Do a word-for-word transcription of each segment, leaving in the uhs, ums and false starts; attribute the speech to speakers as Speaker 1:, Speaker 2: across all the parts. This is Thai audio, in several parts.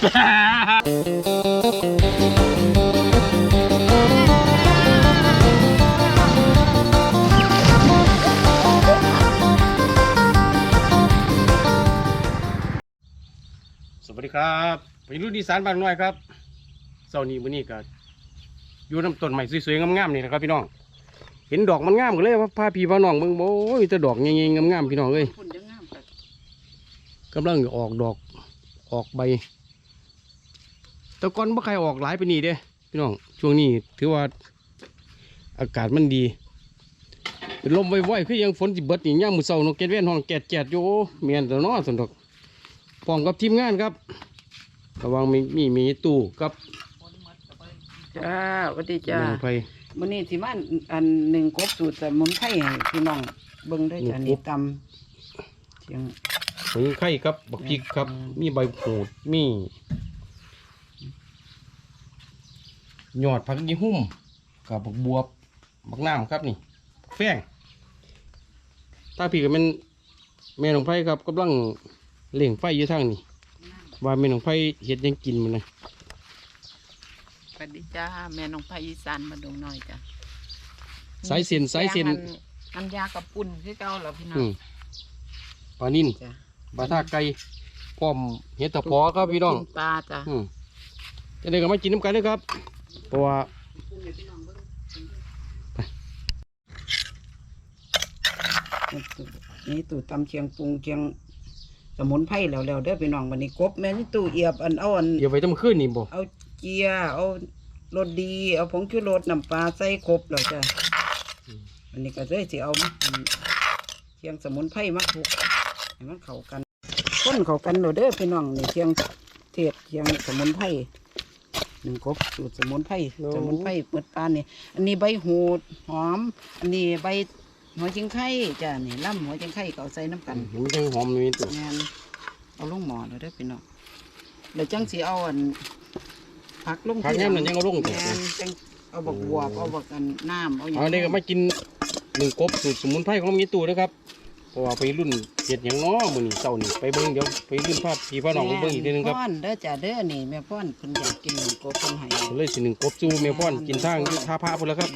Speaker 1: สวัสดีครับไปรุ่นอีสานบ้านน้อยครับเสาร์นี้วันนี้ก็อยู่น้ำต้นใหม่สวยๆงามๆนี่นะครับพี่น้องเห็นดอกมันงามกันเลยว่าพาพี่พาน้องมึงโอ้ยแต่ดอกเงี้ยๆงามๆพี่น้องเอ้ยกำลังออกดอกออกใบแต่ก่อนบ่ใครออกหลายไปนี่เด้พี่น้องช่วงนี้ถือว่าอากาศมันดีเป็นลมไว้ๆคือยังฝนสิเบิดนี่ย่างมือเสาร์นกแก้วแว่นห้องแกดแกดอยู่เมียนแต่น้อสนดอกพร้อมกับทีมงานครับระวังมีมีมีตู้กับ
Speaker 2: จ้าสวัสดีจ้า
Speaker 1: หนึ่งไผ่
Speaker 2: มื้อนี้สิมาอันหนึ่งกบสูตรสมุนไพรให้พี่น้องเบิ่งด้วยจ้านี่ตำเสียง
Speaker 1: หมูไข่ครับบักพริกครับมีใบโหดมีหยอดผักยี่หุ่มกับบักบวบบักน้ำครับนี่แป้งถ้าพี่ก็เป็นแม่ของไผ่ครับกำลังเล่งไฟอยู่ทางนี่ว่าแม่ของไผ่เห็ดยังกินมันนะ
Speaker 2: สวัสดีจ้าแม่น้องไผ่อีสานมาดงน้อยจ้า
Speaker 1: สายเส้นสายเส้น
Speaker 2: อันยากับปุ่นคือเก่าแล้วพี่น้อง
Speaker 1: ปลานิ่นปลาท่าไก่พร้อมเห็ดตะพอครับพี่น้อง
Speaker 2: ปลาจ้า
Speaker 1: จะได้ก็มากินน้ำกันด้วยครับเพราะว่า
Speaker 2: นี่ตู่ตำเชียงปรุงเชียงสมุนไพรแล้วแล้วเด้อพี่น้องวันนี้กบแม่นี่ตู่เอียบอันเอาอัน
Speaker 1: เอียบไว้ตั้งขึ้นนี่บ่
Speaker 2: เอาเกียร์เอารสดีเอาผงชูรสน้ำปลาใส่ครบแล้วจ้ะวันนี้ก็เลยสิเอาเชียงสมุนไพรมาคลุกให้มันเข้ากันคนเข้ากันแล้วเด้อพี่น้องนี่เชียงเทศเชียงสมุนไพรหนึ่งกบสูตรสมุนไพรสมุนไพรเปิดปานนี่อันนี้ใบหูดหอมอันนี้ใบหัวจิงไข่จ้ะนี่ล่ำหัวจิงไข่ก็ใส่น้ำกัน
Speaker 1: มันจังหอมนี่ตัว
Speaker 2: งานเอาลงหม้อเลยเด้อพี่น้องเดี๋ยวจังสีเอาอันผักลง
Speaker 1: ผักแง่มันยังเอาลง
Speaker 2: แง่จังเอาบักบัวเอาบักกันน้ำเอาอย่าง
Speaker 1: นี้ก็มากินหนึ่งกบสูตรสมุนไพรของมีตู้นะครับเพราะว่าไปรุ่นเห็ดอย่างน้อมือนี่เจ้านี่ไปเบิ้งเดี๋ยวไปรุ่นภาพพี่พ่อน้องเบิ้งอีกทีนึงครับ
Speaker 2: พ่อนเด้อจ้ะเด้อนี่แม่พ่อนเพิ่นอยากกินหนึ่งกบเพิ่นให้
Speaker 1: เลยสิหนึ่งกบจูแม่พ่อนกินทางท่าพระพุ่นแล้วครับ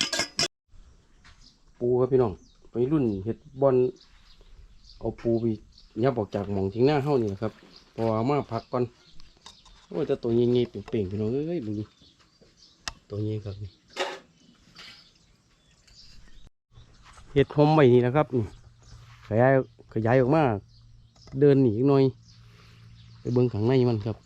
Speaker 1: ปูครับพี่น้องไปรุ่นเห็ดบอลเอาปูไปยับออกจากหม่องทิ้งหน้าเฮ้านี่นะครับเพราะว่ามาพักก่อนโอ้ยแต่ตัวเงี้ยๆเป่งๆพี่น้องเอ้ยดูดิตัวเงี้ยครับนี่เห็ดหอมใหม่นี่นะครับนี่ขยายขยายออกมาเดินหนีหน่อยไปเบิ้งข้างในมันครับ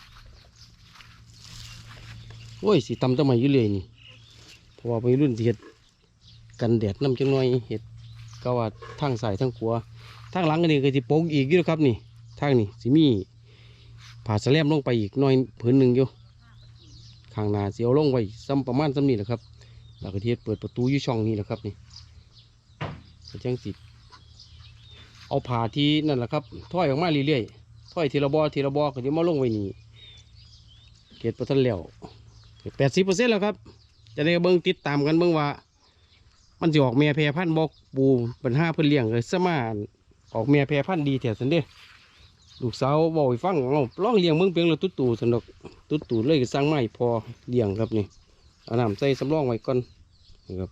Speaker 1: โอ้ยสีตำจะใหม่ยุ่เลยนี่เพราะว่าไปรุ่นเห็ดกันแดดน้ำจังหน่อยเห็ดก็ว่าทางสายทางขวาทางหลังนี่ก็จะโป่งอีกอยู่ครับนี่ทางนี่สิมีผ่าสแลมลงไปอีกหน่อยผืนหนึ่งอยู่ข้างหน้าเสียวลงไว้ซ้ำประมาณซ้ำนี่แหละครับแล้วก็เทียดเปิดประตูอยู่ช่องนี้แหละครับนี่จังสิเอาผ่าที่นั่นแหละครับถ้อยออกมาเรื่อยๆถ้อยทีละบอทีละบอก็จะมาลงไว้นี่เกล็ดประทันแล้วแปดสิบเปอร์เซ็นต์แล้วครับจะได้เบิ้งติดตามกันเบิ้งว่ามันจะออกเมียแพรพันธุ์บอกปูปัญหาเพื่อเลี้ยงเลยสมานออกเมียแพรพันธุ์ดีแถวสันเด้ลูกสาวบอกให้ฟังเราลองเลี้ยงเบิ้งเพียงเราตุ๊ตู่สนุกตุ๊ตู่เลยสร้างไม้พอเลี้ยงครับนี่เอาน้ำใส่สำรองไว้ก่อนนะครับ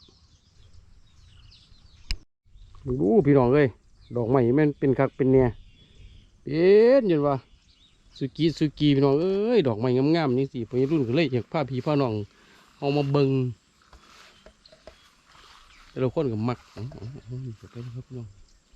Speaker 1: ดูพี่น้องเลยดอกไม้แม่นเป็นคักเป็นเนี่ยเป็นยันว่าสุกี้สุกี้พี่น้องเอ้ยดอกไม้งามๆนี่สิพอรุ่นก็เลยอยากพาพี่พาน้องเอามาเบิ้งแต่เราคนกับมักอ๋ออ๋ออ๋อนี่ไปนะครับพี่น้อง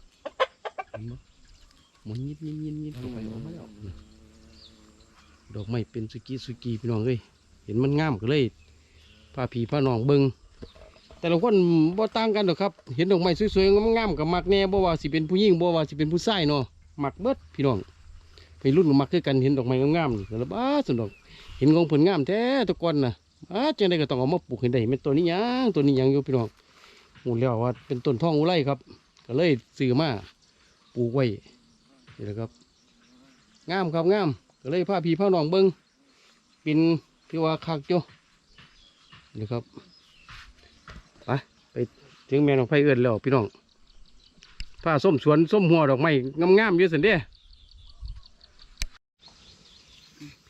Speaker 1: มันยิบยิบยิบยิบลงไปออกมาแล้วดอกไม้เป็นสุกี้สุกี้พี่น้องเอ้ยเห็นมันงามก็เลยพาพี่พาน้องเบิ้งแต่ละคนบ่ต่างกันหรอกครับเห็นดอกไม้สวยๆงามๆกับมักแน่บ่ว่าสิเป็นผู้หญิงบ่ว่าสิเป็นผู้ชายเนาะมักเบิดพี่น้องไปรุ่นกับมักคือกันเห็นดอกไม้งามๆนี่แล้วบ้าสุดดอกเห็นของผลงามแท้ทุกคนน่ะอ้าจังได๋ก็ต้องเอามาปลูกให้ได้เป็นตัวนี้ยังตัวนี้ยังอยู่พี่น้องหูแล้วว่าเป็นต้นทองอุไรครับก็เลยซื้อมาปลูกไว้นี่แหละครับงามครับงามก็เลยพาพี่พาน้องเบิ้งเป็นพี่ว่าคักจ้ะนี่ครับไปไปถึงแม่น้องไผ่เอื้อนแล้วพี่น้องผ้าส้มสวนส้มหัวดอกไม้งามๆเยอะสันเด้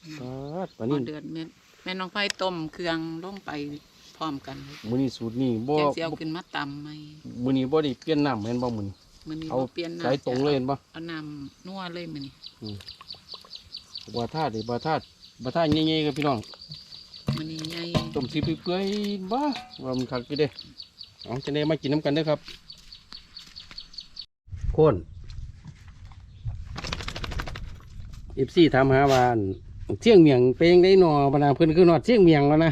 Speaker 1: ปลานิ่น
Speaker 2: เดือดแม่แม่น้องไผ่ต้มเครื่องลงไปพร้อมกัน
Speaker 1: มื้อนี้สูตรนี้บ่
Speaker 2: แกงสิเอาขึ้นมาตำไหม
Speaker 1: มื้อนี้บ่ได้เปลี่ยนน้ำแม่นบ่มื้อนี้
Speaker 2: มื้อนี้
Speaker 1: เอา
Speaker 2: บ่เปลี่ยนน้ำ
Speaker 1: สายตรงเลยเห็นบ่
Speaker 2: เอาน้ำนัวเลยมื้อนี้
Speaker 1: บ่ทาดบ่ทาดบ่ทาดใหญ่ๆครับพี่น้อง
Speaker 2: มื้อนี้ใหญ่
Speaker 1: ต้มสิเปื่อยๆบ่ว่ามันคักอยู่เด้เอาจะได้มากินน้ำกันเด้อครับโคน เอฟซีถามหาว่าอั่นเสี่ยงเมียงเป็นยังได้หนอปะนะเพิ่นคือนอดเสี่ยงเมียงวะนะ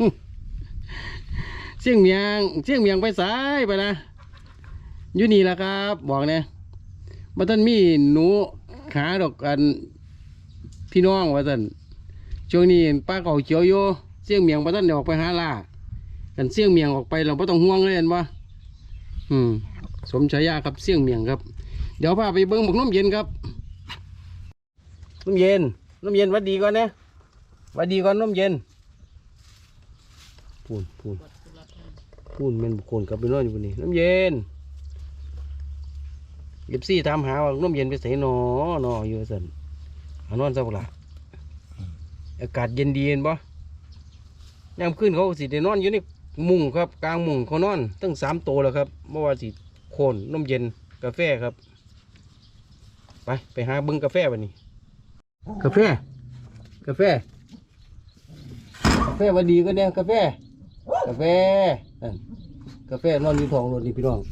Speaker 1: เสี่ยงเมียงเสี่ยงเมียงไปสายไปนะอยู่นี่แหละครับ บอกเนี่ยบัดท่านมีหนูหาดอกกันพี่น้องว่าท่านช่วงนี้ป้าเก่าเขียวโยเสี่ยงเมียงบัดท่านเดี๋ยวออกไปหาล่ากันเสี่ยงเมียงออกไปเราไม่ต้องห่วงเลยเห็นปะอืมสมฉายาครับเสี่ยงเมียงครับ เดี๋ยวพาไปเบิ้งบักน้ำเย็นครับน้ำเย็นน้ำเย็นหวัดดีก่อนนะหวัดดีก่อนน้ำเย็นพูนพูนพูนแมันบุคคลกลับไปนอนอยู่บนนี้น้ำเย็นเก็บซี่ถามหาว่าน้ำเย็นไปใส่หนอหนออยู่สันหานอนซะบ่ล่ะอากาศเย็นดีเห็นบ่ยามขึ้นเขาสิได้นอนอยู่ในมุ้งครับกลางมุ้งเขานอนตั้งสามโตแล้วครับเมื่อวานสิโคนน้ำเย็นกาแฟครับ ไปไปหาเบิ้งกาแฟวันนี้กาแฟกาแฟกาแฟวันดีก็เนี่ยกาแฟกาแฟนั่นกาแฟนอนอยู่ท้องรถนี่พี่น้อง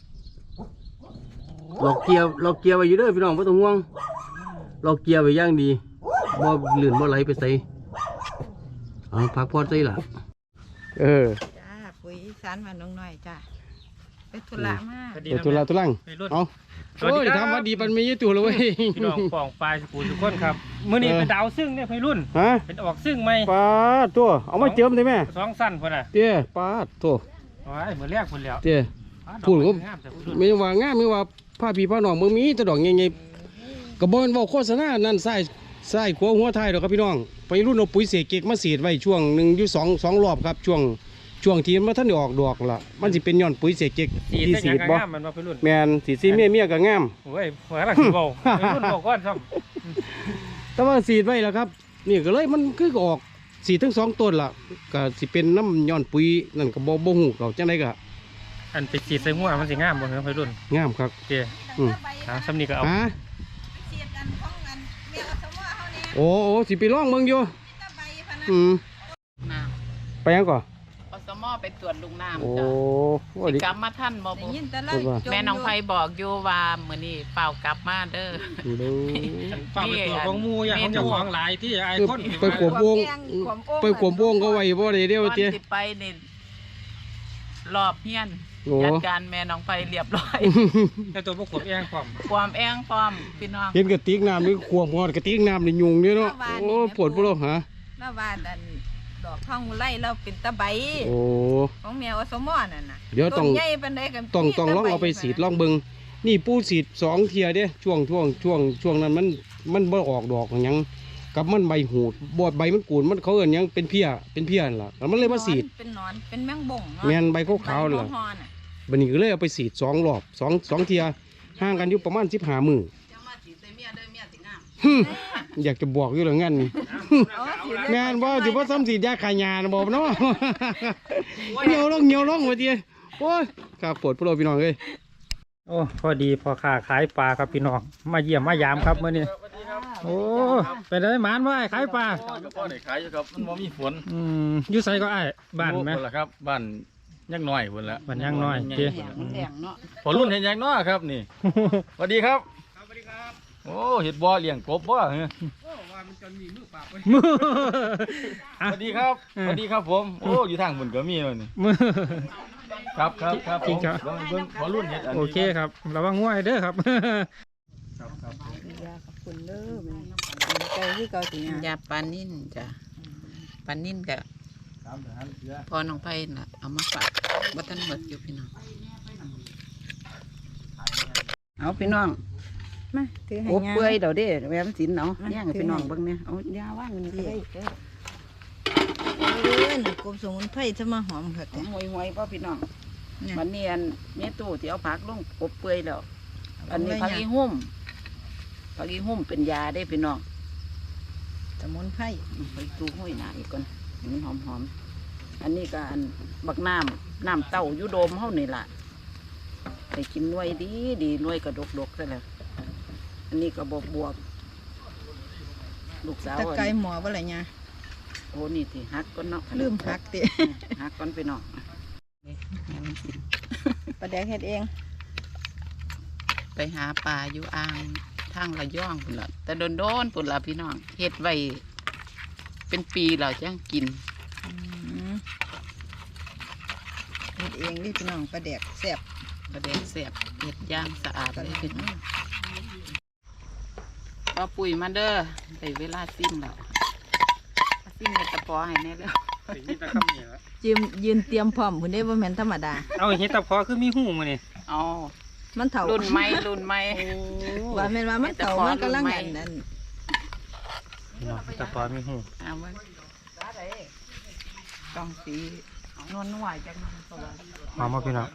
Speaker 1: หลอกเกียร์หลอกเกียร์ไว้อยู่เด้อพี่น้องไม่ต้องห่วงหลอกเกียร์ไว้อย่างดีบ่ลื่นบ่ไหลไปใส่เอาพักพอดใส่ล่ะเออ
Speaker 3: จ้าปุ๋ยอีสานบ้านน้องน้อยจ้าไปธุระมาก
Speaker 1: เดี๋ยวตัวละตัวลังเอาโอ้ยทำมาดีปันมีอยู่ตัวเลยเว้ย
Speaker 4: พี่น้องปองปลายสกูทุกคนครับมื้อนี้
Speaker 1: เออ
Speaker 4: เป็นดาวซึ่งเนี่ยพี่รุ่น
Speaker 1: ฮะ
Speaker 4: เป็นออกซึ่งไหม
Speaker 1: ปาดตัวเอามาเจิมได้ไหม
Speaker 4: สองสั้นพุ่นน่ะ
Speaker 1: เตี้ยปาดตัว
Speaker 4: โอ้ยมื้อแรกพุ่นแล้ว
Speaker 1: เตี้ย
Speaker 4: อ้าว
Speaker 1: พูด
Speaker 4: ดอก
Speaker 1: ก็
Speaker 4: ไม้งามแต่พี่รุ่น
Speaker 1: ไม่ว่างามไม่ว่าผ้าผีผ้าหนองเมืองมีแตะดอกใหญ่ๆกระบอกว่าโฆษณานั่นใส่ใส่ขัวหัวไทยดอกครับพี่น้องไปรุ่นเอาปุ๋ยเสกเก็กมาเสียดไว้ช่วงหนึ่งอยู่สองสองรอบครับช่วงช่วงที่มันท่านได้ออกดอกล่ะมันสิเป็นย้อนปุ๋ยเสกเก็ก
Speaker 4: สี
Speaker 1: ที่
Speaker 4: แต่
Speaker 1: สี
Speaker 4: ยัง
Speaker 1: ด
Speaker 4: ก็
Speaker 1: บ่
Speaker 4: งามมันว่าพี่รุ่น
Speaker 1: แมนสีสีเมียเมียก็งาม
Speaker 4: โอ้ยหัวหลังสิเบาพี่รุ่นบอกก่อนซ้ำ
Speaker 1: แต่ว่าสีดไว้แล้วครับนี่ก็เลยมันคือออกสีทั้งสองต้นล่ะก็สิเป็นน้ำย้อนปุ๋ยนั่นก็บ่บ่ฮู้เขาจังได๋ก็
Speaker 4: อันไปสีดใส่หัวมันสิงามบ่ครับพี่รุ่น
Speaker 1: งามครับ
Speaker 4: โอเค
Speaker 1: อืม
Speaker 4: หาซ้ำนี่ก็เอา
Speaker 1: ฮะ
Speaker 3: เสียดกันของกันเมียอสมอเขาเนี่ย
Speaker 1: โอ้โอ้สิไปลองเบิ่งอยู่
Speaker 3: ตะใบพะนะ
Speaker 1: อืม
Speaker 2: น้
Speaker 1: ไปยังก่อน
Speaker 2: ำอสมอไปตรวจลุงน้ำ
Speaker 1: โอ้
Speaker 2: จ้ะ
Speaker 1: โห
Speaker 2: สิ
Speaker 1: ดิ
Speaker 2: กลับมาท่านบ่
Speaker 3: ได้
Speaker 2: บุ
Speaker 3: ยินแต่เรา
Speaker 1: พูดว่า
Speaker 3: จม
Speaker 2: แม่น้อง
Speaker 3: ยู่
Speaker 2: ไผ่บอกอยู่ว่ามื้อนี้เปล่ากลับมาเด้อ
Speaker 1: ดู
Speaker 4: ฝากไปตัวของหมูอย่างของเจ้าของหลายที่ไอ้
Speaker 1: คือ
Speaker 4: คน
Speaker 1: ไปขวบวงไปขวบวงก็ไว้บ่ได้เด้อ
Speaker 2: ก่อน
Speaker 1: เตี้ย
Speaker 2: สิไปนี่รอบเฮียน
Speaker 1: โอ้
Speaker 2: จัดการแม่น้องไผ่เรียบร้อย
Speaker 4: แต่ตัวพวกขวบเองความ
Speaker 2: ความแองพร้อมพี่น้อง
Speaker 1: เห็นกระติกน้ำนี่ขวบงอดกระติกน้ำนี่ยุงเนี่ยเนาะโอ้ปวดพวกเราฮะ
Speaker 3: มาว่าดันดอกท้องไล่เราเป็นตะใบ
Speaker 1: โอ้
Speaker 3: ของเมียอสมอนั่นน่ะ
Speaker 1: เดี๋ยวต้อง
Speaker 3: ต้นใหญ่ปานใดกัน
Speaker 1: ต้องต้องลองเอาไปสีดลองเบิ่งนี่ปูสีดสองเทียเด้ช่วงช่วงช่วงช่วงนั้นมันมันบ่ออกดอกหยังกับมันใบหูดบอดใบมันกูดมันเขาเอิ้นหยังเป็นเพี้ยเป็นเพี้ยนั่นล่ะแล้วมันเลยมาสีด
Speaker 3: เป็นหนอนเป็นแมงบ่งเนาะ
Speaker 1: แม่นใบขาวๆนั่นล่ะ
Speaker 3: ใบฮอน่ะ
Speaker 1: บัดนี้ก็เลยเอาไปสีดสองรอบสองสองเทียห่างกันอยู่ประมาณสิบห้ามื้อ
Speaker 2: จะมาสิใส่เมียเด้อเมียสิงาม
Speaker 1: ฮึ่มอยากจะบอกอยู่แล้วงั้นนี่
Speaker 3: อ๋อสิ
Speaker 1: งานว่าสิว่าซ้ำสีดยาขายยานะบอกเนาะ เหนียวลงเหนียวลงมาเดียโอ้ยครับปวดพวกเราพี่น้องเอ้ย
Speaker 4: โอ้พอดีพอค้าขายปลาครับพี่น้องมาเยี่ยมมายามครับมื้อนี้โอ้ไปได้หมานว่าขายปลา
Speaker 5: ก็พอได้ขายอยู่ครับมันบ่มีฝน
Speaker 4: อืมอยู่ไสก็อ้ายบ้านไหม
Speaker 5: พุ่นละครับบ้านยักน้อยพุ่นละ
Speaker 4: บ้านยักน้อย
Speaker 5: ใหญ่
Speaker 4: เจ้
Speaker 2: แหงมันแหงเนาะ
Speaker 5: พอรุ่นเห็นยักน้อยครับนี่ สวัสดีครับสวัสดีครับโอ้เห็ดบ่อเลี้ยงกบบ่เหรอ
Speaker 4: มือ
Speaker 5: สวัสดีครับสวัสดีครับผมโอ้อยู่ทางบนก็มีเลยนี่
Speaker 4: มือ
Speaker 5: ครับครับครับ
Speaker 4: จริงครับ
Speaker 5: ผมเบิ่งพอรุ่นเห็ดอันนี้
Speaker 4: โอเคครับระวังง่วยเด้อครับ
Speaker 3: ยาขอบคุณเด้อแม่ใจที่เก่าสิยาย
Speaker 2: าปลานิ่นจ้ะปลานิ่นกับ
Speaker 5: ตามทหารเรือ
Speaker 2: พอน้องไผ่น่ะเอามาฝากบ่ทันหมดอยู่พี่น้อง เอาพี่น้อง
Speaker 3: มาถือให้
Speaker 2: โอ้
Speaker 3: ยา
Speaker 2: เปื่อยเดี๋ยวเด้แหวมสินเนาะ
Speaker 3: มา
Speaker 2: ย่างให้พี่น้องเบิ่งเนี่ยเอายาว่างนี่ก็ได้
Speaker 3: เด้อเออนี่กรมสมุนไพรจะมาหอมค่ะแต่
Speaker 2: หวยหวยๆพ่อพี่น้อง
Speaker 3: เนี่ย
Speaker 2: วันนี้อันแม่ตู้ที่เอาผักลงอบเปื่อยแล้ว อันนี้
Speaker 3: เอาไว้
Speaker 2: ผัก
Speaker 3: ยัง
Speaker 2: อีหุ่มผักอีหุ่มเป็นยาได้พี่น้อง
Speaker 3: สมุนไพร
Speaker 2: ไปตู้ห้อยหนาอีกก่อนให้มันหอมหอมๆอันนี้ก็อันบักน้ำน้ำเต้าอยูโดมเฮานี่ล่ะไปกินหน่วยดีดีหน่วยกระดกดกซะแล้วอันนี้ก็บวบบวบลูกสาว
Speaker 3: ตะ
Speaker 2: อัน
Speaker 3: ไคร้หมอว่าอะไรเนี่ย
Speaker 2: โอ้นี่ที่ฮักก้อนเนาะ
Speaker 3: ลืมหักติ
Speaker 2: ฮักก้อนไปเนาะนี่แม่มันกิน
Speaker 3: ปลาแดกเฮ็ดเอง
Speaker 2: ไปหาปลาอยู่อ่างทางระย่องปุ่นละแต่โดนโดนๆปุ่นละพี่น้องเฮ็ดไว้เป็นปีแล้วจังกิน
Speaker 3: อืมเฮ็ดเองนี่พี่น้องปลาแดกแซ่บ
Speaker 2: ประเด็นเสียบเฮ็ดย่างสะอาดเลยพี่น้องพอปุ๋ยมาเด้อได้เวลาซิมแล้วซิมในตะปอให้แน่แล้ว
Speaker 4: นี่ตะครับนี่ละ
Speaker 3: ยืมยืนเตรียมพร้อมพุ่นได้บ่แม่นธรรมดา
Speaker 4: เอาเห็ดตะพอคือมีหูมานี่
Speaker 2: อ๋อ
Speaker 3: มันเฒ่า
Speaker 2: รุ่นใหม่รุ่นใหม่
Speaker 3: ว่าแม่นว่ามันเฒ่ามันกำลังอันนั้น
Speaker 4: พี่น้องเห็ดตะพอมีหู
Speaker 2: เอาไว้ต้องสีนวลนวลจังนะตัว
Speaker 4: หอมมาพี่น้อง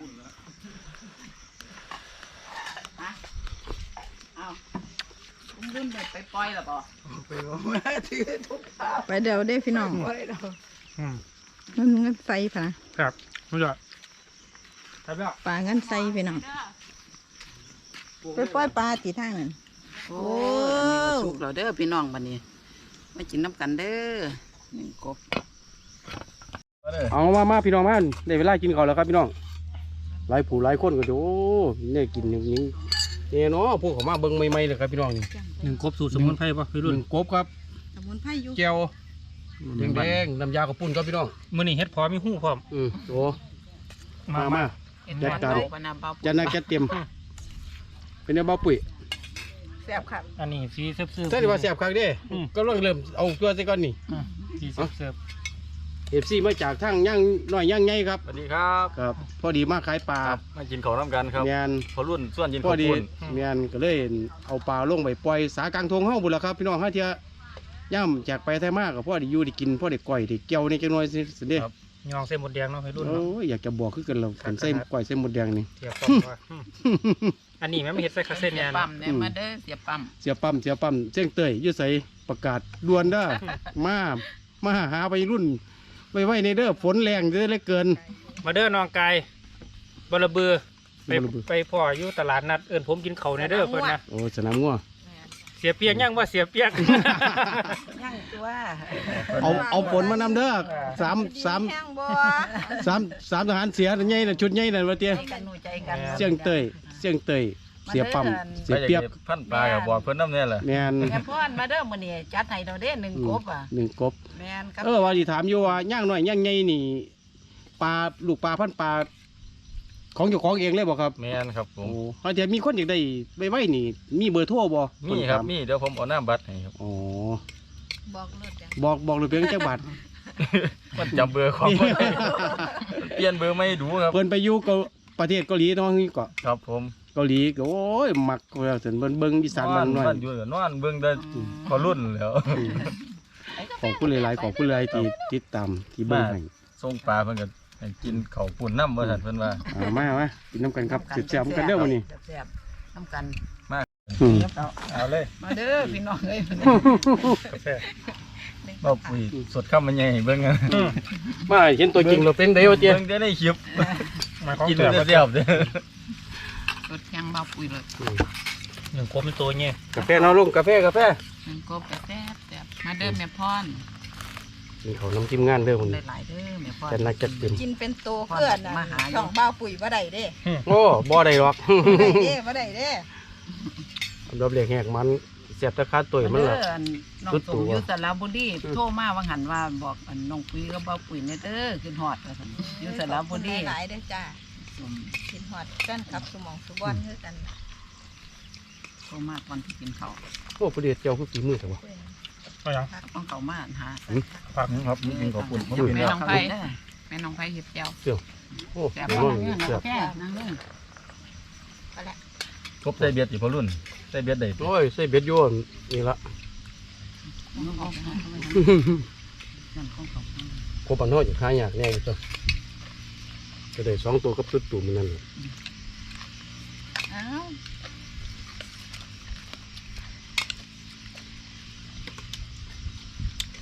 Speaker 2: เอารุ่นเด็กไปปล่อยหรอปอไปว่าถือทุกขา
Speaker 3: ไปเดี๋ยวเด้พี่น้อง
Speaker 2: ปล่อยเรา
Speaker 4: อืม
Speaker 3: มันเงินใส่พะนะครับ
Speaker 4: รู้จักครับแล้ว
Speaker 3: ปลาเงินใส่พี่น้องไปปล่อยปลาตีทางนั่น
Speaker 2: โอ้อันนี้ก็สุกเราเด้อพี่น้องบัดนี้มากินน้ำกันเด้อหนึ่งกบ
Speaker 1: เอามามาพี่น้องมาได้เวลากินข้าวแล้วครับพี่น้องหลายผู้หลายคนก็จะโอ้เนี่ยกินอย่างนี้เนี่ยเนาะพวกเขามาเบิ่งใหม่ๆเลยครับพี่น้องนี่
Speaker 4: หนึ่งกบสูตรสมุนไพรป่ะพี่
Speaker 1: ห
Speaker 4: รุ่น
Speaker 1: นึ่งกบครับ
Speaker 3: สมุนไพรอยู่
Speaker 1: แก้วแดงๆน้ำยากระปุ่นครับพี่น้อง
Speaker 4: มื้อนี้เห็ดพอมีหูพร้อม
Speaker 1: อืมโอ้มามา
Speaker 2: เห็น
Speaker 1: จัดการ
Speaker 2: เบปะนะเบา
Speaker 1: จันนาแกเตรียมเป็นแนวเบาปุ๋ย
Speaker 2: แซ่บครับ
Speaker 4: อันนี้สีเสิร์ฟๆ
Speaker 1: ใช่ดีว่าแซ่บครั้งเด้
Speaker 4: อืม
Speaker 1: ก็เริ่มเริ่มเอาตัวใส่ก่อนนี่
Speaker 4: อืมสีเสิร์ฟ
Speaker 1: เอฟซีมาจากทางย่างน้อยย่างใหญ่ครับ
Speaker 5: สวัสดีครับ
Speaker 1: ครับ พอดีมาขายปลา
Speaker 5: ครับมากินข้าวน้ำกันครับ
Speaker 1: เมียน
Speaker 5: พอรุ่นส่วนยิน
Speaker 1: พ
Speaker 5: ข้า
Speaker 1: อ
Speaker 5: ว
Speaker 1: ดี
Speaker 5: ปุ้น
Speaker 1: เมียนก็เลยเอาปลาลงไปปล่อยสากลางทงเฮาบุญละครับ พี่น้องห้าเทียย่ำจากไปไทยมากกับพ่อได้อยู่ได้กินพ่อได้ก่อยได้เกี่ยวในจังน้อยสิสิเด้
Speaker 4: ๆยองเส้นหมดแดงเนาะพี่รุ่น
Speaker 1: โอ้
Speaker 4: เนาะ
Speaker 1: ยอยากจะบอกคือกันเรากันเส้นก่อยเส้นหมดแดงนี่
Speaker 4: เทียบกับว่าอืมอันนี้แม่ไม่เห็ดใส่คาเส้น
Speaker 2: เสี
Speaker 4: เนี่ย
Speaker 2: ย
Speaker 4: นะ
Speaker 2: ปั๊มเนี่ยมาเด้อเสียปั๊ม
Speaker 1: เสียปั๊มเสียปั๊มเสียงเตยอยืดใส่ประกาศด่วนเด้อ มามาหาไปรุ่นไว้ไว้ในเด้อฝนแรงเด้อเหลือเกิน
Speaker 4: มาเด้อน้องกายบลเบือไป
Speaker 1: บลบือ
Speaker 4: ไปพ่ออยู่ตลาดนัดเอิญผมกินเขาวในเด้อเพิ่นนะ
Speaker 1: โอ้สนามงัว
Speaker 4: เสียเปียกยังว่าเสียเปียก
Speaker 2: ย่างตัว
Speaker 1: เอาเอาฝนมานำเด้อสามสาม
Speaker 3: แห้งบ่
Speaker 1: สามสามทหารเสียใหญ่น่ะชุดใหญ่น่ะว่าเตี้ย
Speaker 2: ใจกันหนูใจกัน
Speaker 1: เสียงเตยเสียงเตยเสียปั๊มเสียเปียบ
Speaker 5: พันปลากับบอกเพิ่นน้ำเนี่ยแหละ
Speaker 1: แมน
Speaker 2: แม่พ่อนมาเด้อมื้อนี้จัดให้เราเด้อหนึ่งกบอ่ะ
Speaker 1: หนึ่งกบ
Speaker 2: แม่นครับ
Speaker 1: เออว่าสิถามอยู่ว่าย่างน้อยย่างใหญ่นี่ปลาลูกปลาพันปลาของเจ้าของเองเลยบ่ครับ
Speaker 5: แม่นครับผ
Speaker 1: โอ้
Speaker 5: ม
Speaker 1: เขาจะมีคนอยากได้ไว้ไว้นี่ มีเบอร์โทรบ่
Speaker 5: มีครับ
Speaker 1: นถา
Speaker 5: มีเดี๋ยวผมเอาหน้าบัตรให้ครับ
Speaker 1: อ๋อ
Speaker 3: บอกรถจัง
Speaker 1: บอกบอกเลยเพียงจักบาท
Speaker 5: มันจำเบอร์ของบ่ได้เปลี่ยนเบอร์ไม่ดูครับ
Speaker 1: เพิ่นไปอยู่เกาประเทศเกาหลีเนาะนี่ก็
Speaker 5: ครับผม
Speaker 1: เกาหลีก็โอ้ยมักแล้วถึงเบิ่งเบิ่งอีสานบ้านน้อย
Speaker 5: นอยู่นอนเบิ่งแต่พอรุ่นแล้ว
Speaker 1: ของผู้หลายๆของผู้หลายที่ติดตามที่เบิ่งให้
Speaker 5: ส่งปลาเพิ่นก็ให้กินข้าวปุ่นน้ำบ่ทันเพิ่นว่า
Speaker 1: อ่ามามากินน้ำกันครับสิแซ่บๆกันเด้อมื้อนี้
Speaker 2: แซ่บๆน้ำกัน
Speaker 1: อืม
Speaker 5: เอาเลย
Speaker 2: มาเด้อพี่น้องเอ้ย
Speaker 4: กาแฟ
Speaker 5: บ่ปุ๋ยสดข้ามมันใหญ่ให้เบิ่งกัน
Speaker 1: มาเห็นตัวจริงเราเป็นไดวะเตี้ย
Speaker 5: เบิ่งได้ในคลิป
Speaker 4: มาของ
Speaker 5: กิน
Speaker 4: เสียบ
Speaker 5: ได้เสียบเด้อ
Speaker 2: รถยังเบาปุ๋ยเลย
Speaker 4: หนึ่งกบเป็นตัวเนี่ย
Speaker 1: กาแฟเนาะลุงกาแฟกาแฟ
Speaker 2: หนึ่งกบก็แซ่บแซ่บมาเด้อแม่พร
Speaker 1: นี่เขาน้ำจิ้มงานเด้อคน
Speaker 2: ได้หลายเด้อแม่พร
Speaker 1: จัดหนักจัดเต็ม
Speaker 3: กินเป็นโตเพื่อนน่ะ
Speaker 2: มาหาอยู่
Speaker 3: ช่องบ้าวปุ๋ยบ่ได้เด้
Speaker 1: โอ้บ่ได้หรอก
Speaker 3: บ่ได้เด้บ่ได้เด้
Speaker 1: ดอกเล็กแหกมันเสียบตะคาตัวมัน
Speaker 2: เด้
Speaker 1: ล่ะ
Speaker 2: ออันน้อง
Speaker 1: ตุ๊ด
Speaker 2: ส
Speaker 1: ตู่
Speaker 2: ม
Speaker 1: อะ
Speaker 2: อยู่สระบุรีโทรมาว่าหันว่าบอกอันน้องปุ๋ยก็เบาปุ๋ยเนี่ยเด้อขึ้นฮอดว่าซั่นอยู่สระบุรี
Speaker 3: หลายๆเด้อจ้า
Speaker 2: อืม
Speaker 3: กินฮอดแฟนคลับสมองสุบอนคือกัน
Speaker 2: โทรมาก่อนที่กินข้าว
Speaker 1: โอ้ประเดี๋ยวเจ้าคือฝีมือแต่ว่า
Speaker 4: ก็ยัง
Speaker 2: ต้องเข้ามาหา
Speaker 4: ผัก
Speaker 5: ครับกินข้าวปุ่นผมกิน
Speaker 2: แม่
Speaker 5: แล้ว
Speaker 2: น้องไผแม่น้องไผเฮ็ดแก้ว
Speaker 1: โอ้
Speaker 2: แซ่บ
Speaker 1: เดี๋ยว
Speaker 2: มาก
Speaker 1: น้อง
Speaker 2: เนี่ย
Speaker 1: เสียบ
Speaker 2: แก้วนั่งลง
Speaker 3: ก็แหละ
Speaker 5: ครบใส่เบียดสิพอรุ่นใส่เบียดได้
Speaker 1: โอ้ยใส่เบ็ดโยนนี่ละ
Speaker 2: น้องเอาไปนั่นของเขา
Speaker 1: โคปันน้อยอยู่ขายยากแน่อยู่ตัวก็ได้สองตัวกับสุดตูมันนั่นแหละ
Speaker 2: อ้าว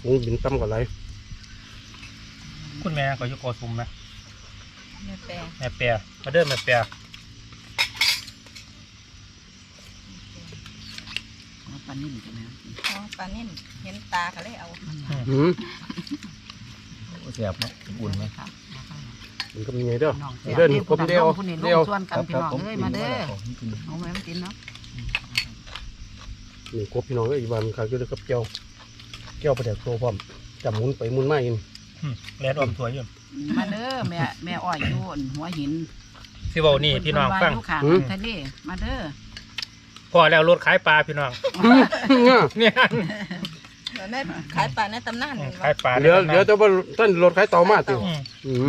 Speaker 1: วงบินต่ำกว่าไร
Speaker 4: คุณแม่ก็อยู่โกสุมนะ
Speaker 3: แม่แปร
Speaker 4: แม่เปียมาเดินแม่เปีย
Speaker 2: เอาปลานิ่มใช่ไหม
Speaker 3: อ๋อปลานิ่มเห็นตาก็เลยเอา
Speaker 1: หืม
Speaker 5: แซ่บเนาะอุ่นไหม
Speaker 2: ครับ
Speaker 1: มันก็มีไงเด้อ
Speaker 2: น้อง
Speaker 1: เดินกบเดียว
Speaker 2: ผู้นี่ล
Speaker 1: เดียว
Speaker 2: งส่วนกันพี่น้องเอ้ยมาเด้อเอาแม่มากินเนาะ
Speaker 1: นี่กบพี่น้องก็อีกวันขายอยู่ด้วยกับเจ้าเจ้าประเดี๋ยวโตพร้อมจับหมุนไปหมุนมาอิน
Speaker 4: แลนออมสวยอยู่
Speaker 2: มาเด้อแม่แม่อ้อยอยู่อั่นหัวหิน
Speaker 4: สิเว้านี่พี่น้องฟัง
Speaker 2: เพิ่ว่าอยู่ข้างทะเลมาเด้อ
Speaker 4: พอแล้วรถขายปลาพี่น้องเนี่ย
Speaker 3: แล้วแม่ขายปลาในตำนานนี่
Speaker 4: ขายปลา
Speaker 1: เดี๋ยวเดี๋ยวจะว่าท่านรถขายเตามาติ
Speaker 4: อืม
Speaker 1: อืม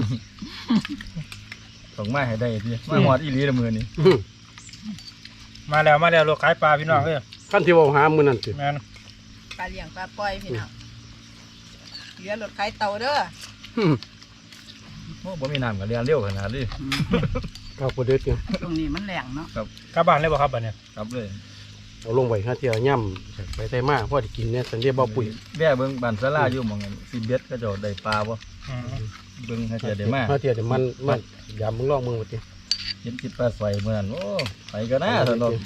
Speaker 5: ส่งมาให้ได้ดิมาหอดอีหลีละมือนี่
Speaker 1: อืม
Speaker 4: มาแล้วมาแล้วรถขายปลาพี่น้องเอ้ย
Speaker 1: ขั้นที่ว่าหามือนั่นสิ
Speaker 4: แม่น
Speaker 3: ปลาเลี้ยงปลาปล่อยพี่น้องเหลือรถขายเตาเด้อ
Speaker 1: อืม
Speaker 5: โอ้บ่มีน้ำกับเรียนเร็วขนาดนี้
Speaker 1: ข้าวโพดเด็ดเนี่ย
Speaker 2: ตรงนี้มันแหลงเนาะ
Speaker 4: กลับบ้านเลยบ่ครับบัดเนี้ย
Speaker 5: ครับเลย
Speaker 1: เอาลงไว้ห้าเที่ยวย่ำไปไทยมาพ่อที่กินเนี่ยสันเดียบ่ปุ๋ย
Speaker 5: แว่เบิ่งบ้านศาลาอยู่หม่องนั้นสิเบ็ดก็จะได้ปลาบ่
Speaker 4: อืม
Speaker 5: เบิ่งให้เทียได้มา
Speaker 1: ห้าเที่ยวเดี๋ยวมันมันยามมึงลองมึงมาติ
Speaker 5: เห็นคิดปลาสวยมื้อนั้นโอ้ไปก็น่าสนุก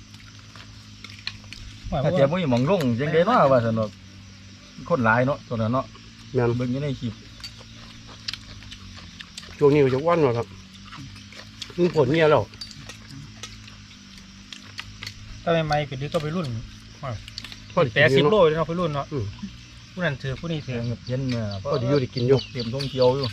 Speaker 4: ว่า
Speaker 5: ถ้าเทียบ่มีหม่องลงจังได๋เนาะว่าสนุกคนหลายเนาะตัวนั้นเนาะ
Speaker 1: แม่น
Speaker 5: เบิ่งอยู่ในคลิป
Speaker 1: ช่วงนี้ก็จะว่านว่าครับมันผลเนี่ยแล้ว
Speaker 4: ถ้าใหม่ๆก็ดีก็ไปรุ่น
Speaker 1: พ่อที่
Speaker 4: แป
Speaker 1: กิ
Speaker 4: ด
Speaker 1: นอ
Speaker 4: สิบ
Speaker 1: ยู่
Speaker 4: โล
Speaker 1: เนาะ
Speaker 4: เลยเนาะไปรุ่นเนาะ
Speaker 1: อืม
Speaker 4: ผู้นั้นถือผู้นี้ถือ
Speaker 5: เห็นเมื่อ
Speaker 1: พ่อที่อยู่ได้กินอยู่
Speaker 5: เตรียมทงเขียวอยู่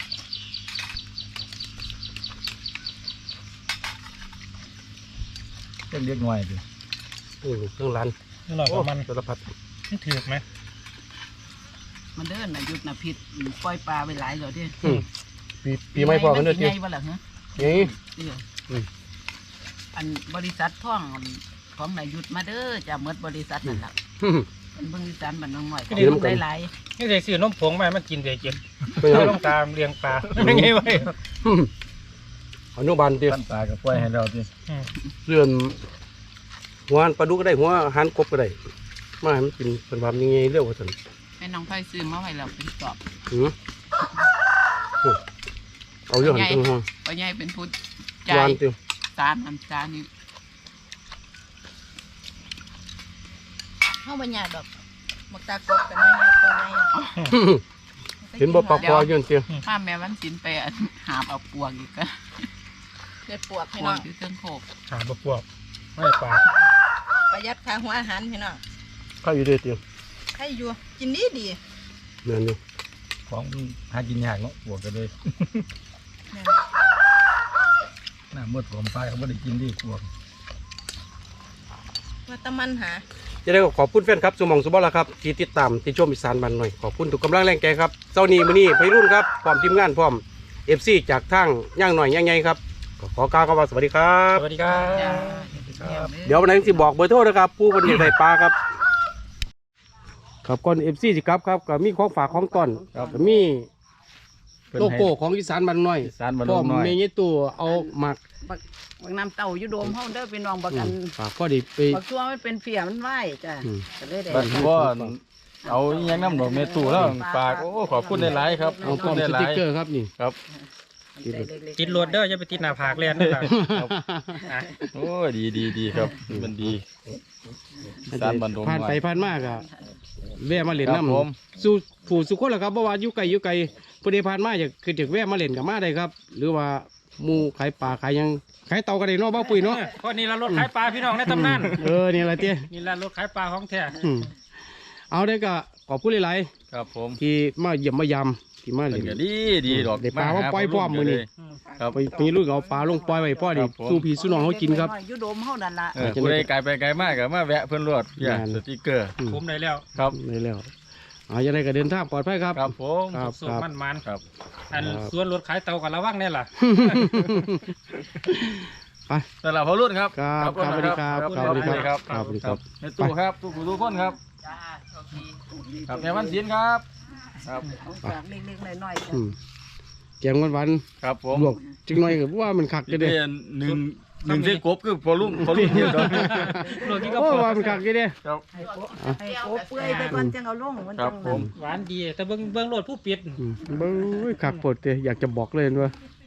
Speaker 5: เล็กๆน้อยดิ
Speaker 1: อืมเครื่องร้าน
Speaker 4: นี่หน่อย
Speaker 1: โอ้
Speaker 4: กับมัน
Speaker 1: สารพัด
Speaker 4: มันถือไหม
Speaker 2: มาเด้อน่ะหยุดน่ะผิดปล่อยปลาไปหลายแล้วเด้อ
Speaker 1: อืมปีปีไม่พอกันเด้อ
Speaker 2: เด้
Speaker 1: ติ
Speaker 2: ใหญ่บ่ล่ะฮะ
Speaker 1: นี่
Speaker 2: เด้ออ
Speaker 1: ม
Speaker 2: อันบริษัทท่องของนายยุทธมาเด้อจะหมดบริษัทนั่นล่ะ
Speaker 1: อืม
Speaker 2: เป็นเบิ่งอีสานบ้านน้องหน่อย
Speaker 1: เดี๋ยวมันกัน
Speaker 2: หลาย
Speaker 4: นี่ใส่ซื้อนมผงมาให้มันกินเดี๋ยวกิน
Speaker 1: ไปยัง
Speaker 4: ไม่ต้องตามเลี้ยงปลาไม่ไงไว้
Speaker 1: อืมอนุบาลติ
Speaker 5: ท่านปลาก็ปล่อยให้เราดิ
Speaker 4: อืม
Speaker 1: เรื่องหัวปลาดุกก็ได้หัวอาหารกบก็ได้มาให้มันกินเป็นความยังไงเรื่องว่าสัน
Speaker 2: ๆแม่น้องไผซื้อมาไว้แล้วเป็นกรอบ
Speaker 1: อืมโอ้เอาเรื่องหันตรงห้อง
Speaker 2: พ่อใหญ่เป็นผู้
Speaker 1: ห
Speaker 2: จ่ายว
Speaker 1: านติว
Speaker 2: สารน้ำตาลนี่
Speaker 3: เฮาบ่ยากดอกมักตากบกันง่ายๆตัวง่ายอะ
Speaker 1: เห็นบ่ปลาคออยู่นั่นติว
Speaker 2: ข้าแม่วันศิลไปอันหาบเอาปวกอีกก็
Speaker 3: เด็ดปวก
Speaker 2: ป
Speaker 3: พี่
Speaker 2: ว
Speaker 3: น้อก ง
Speaker 2: อยู่เทิงโคก
Speaker 4: หาบพวกไม่ปลา
Speaker 3: ประหยัดค่าหัวอาหารพี่น้อง
Speaker 1: ข้าวอยู่เด้อติว
Speaker 3: ใครอยู่กินดีดี
Speaker 1: แม่นอยู่
Speaker 5: ของหากินยากเนาะบวกกันเลย
Speaker 3: แม่น
Speaker 5: น้ำมืดผมปลาเขาไม่ได้กินดีบวก
Speaker 3: ว่าแตะมันหา
Speaker 1: จะได้ก็ขอบคุณแฟนครับสมองสุบอลละครับที่ติดตามที่ชมอีสานบ้านหน่อยขอบคุณทุกกำลังแรงใจครับเจ้านี้มื้อนี้ไปรุ่นครับพร้อมทีมงานพร้อม เอฟ ซี จากทางย่างหน่อยย่างใหญ่ครับก็ขอกล่าวคำว่าสวัสดีครับ
Speaker 4: สวัสดีครับ
Speaker 2: จ้า
Speaker 1: เดี๋ยววันนั้นสิบอกเบอร์โทรนะครับ ผู้คนอยากได้ปลาครับครับก่อน เอฟ ซี สิครับครับก็มีของฝากของต้อนก็มีโลโก้ของอีสานบ้านน้อย
Speaker 5: อีสานบ้าน
Speaker 1: พร้อม
Speaker 5: น้อย
Speaker 1: เมย์ตัวเอาหมัก
Speaker 2: บักบักน้ำเต้าอยู่โดมเฮาเด้อพี่น้องบักอัน
Speaker 1: ฝากก็ดีไป
Speaker 2: บักตัวมันเป็นเฟียมันไหวจ้ะ
Speaker 1: อืม
Speaker 2: ก็เลยได้
Speaker 5: บ้านพ่อเอาอิหยังน้ำดอกเมตูแล้วฝากโอ้ขอบคุณหลายๆครับข
Speaker 1: เอา
Speaker 5: อบ
Speaker 1: พร้
Speaker 5: คุ
Speaker 1: อม
Speaker 5: ณ
Speaker 1: ส
Speaker 5: หลา
Speaker 1: ติ๊
Speaker 5: ย
Speaker 1: กเกอร์ครับนี่
Speaker 5: ๆครับ
Speaker 2: ใส่เล็กๆ
Speaker 4: ติดรถเด้ออย่าไปติดหน้าผากเลียนนะครับ
Speaker 5: โอ้ยดีดีดีครับมันดีอีสานบ้านดง
Speaker 1: ผ่าน
Speaker 5: น้อ
Speaker 1: ไป
Speaker 5: ย
Speaker 1: ผ่านมากอะแวะมาเล่น
Speaker 5: ครับ
Speaker 1: น้
Speaker 5: ผม
Speaker 1: ำสู่ผู้สุคนแหละครับเพราะว่าอยู่ไกลอยู่ไกลผู้ใดผ่านมาอยากคือจะแวะมาเล่นกับมาได้ครับ หรือว่าหมูขายปลาขายหยังขายเตากันได้เนาะบ้าปุ๋ยเนาะ
Speaker 4: เพราะนี่ละรถขายปลาพี่น้องในตำนาน
Speaker 1: เออนี่อะไรเตี้ย
Speaker 4: นี่ละรถขายปลาของแท้
Speaker 1: อืมเอาได้ก็ขอบคุณหลาย
Speaker 5: ครับผม
Speaker 1: ๆที่มาเยี่ยมมายามที่มา
Speaker 5: เป็
Speaker 1: เล่
Speaker 5: น
Speaker 1: น
Speaker 5: ก็ดีดีดอก
Speaker 1: ได้ปลาว่าปล่อยพร้อมมื้อนี้
Speaker 5: ครับ
Speaker 1: ไปไปลูกเอาปลาลงปล่อยไว้พ่อดิ
Speaker 5: ครับผม
Speaker 1: สู้พี่สู้น้องเขากินครับ
Speaker 2: อยู่โดมเฮานั่นล่ะ
Speaker 5: เออผู้ใดไกลไปไกลมากก็มาแวะเพื่อนรวดอย่า
Speaker 1: แม่น
Speaker 5: สติกเกอร์
Speaker 1: อืม
Speaker 4: คุ้มได้แล้ว
Speaker 5: ครับ
Speaker 1: ได้แล้วเอาจะได้ก็เดินทางปลอดภัยครับ
Speaker 5: ครับผม
Speaker 1: ครับ
Speaker 4: สุ
Speaker 1: ค
Speaker 4: ก
Speaker 1: รับ
Speaker 4: มันมัน
Speaker 5: ครับ
Speaker 4: อันส่วนรถขายเตากับระวังแน่ล่ะ
Speaker 1: ไป
Speaker 5: สำหรับพอรุ่นครับ
Speaker 1: ครับครับสวัสดีครับ
Speaker 5: ครับ
Speaker 1: ครับสวัสดีครับ
Speaker 5: ครับ
Speaker 1: สวัสดีครับ
Speaker 5: ในตู้ครับตู้ผู้ทุกคนครับ
Speaker 2: จ้าโชคดี
Speaker 5: ครับแม่วันศิลป์ครับครับ
Speaker 2: เอาฝากเล็กๆน้อยๆจ้ะ
Speaker 1: อืมแกงวันวัน
Speaker 5: ครับผม
Speaker 1: ๆลวกจังหน่อยก็ว่ามันคัก
Speaker 5: จะ
Speaker 1: จะ
Speaker 5: ได้
Speaker 1: ได้
Speaker 5: หนึ่งหนึ่งเส้นกบคือพอลุ่มพอลุ่มเดียวกัน
Speaker 4: ลวกกินกับ
Speaker 1: โอ้
Speaker 4: ข้าว
Speaker 1: ว่ามันคักกี่เด้
Speaker 5: ครับ
Speaker 2: ให้โป๊ะให้โป๊ะเปื่อยไปก่อนจังเอาลงมัน
Speaker 5: ครั
Speaker 2: จั
Speaker 5: บ
Speaker 2: ง
Speaker 5: ผม
Speaker 4: หวานดีแต่เบิ่งเบิ่งโลดผู้ปิด
Speaker 1: อืมเบ้ยคักปวดเตะอยากจะบอกเลยว่า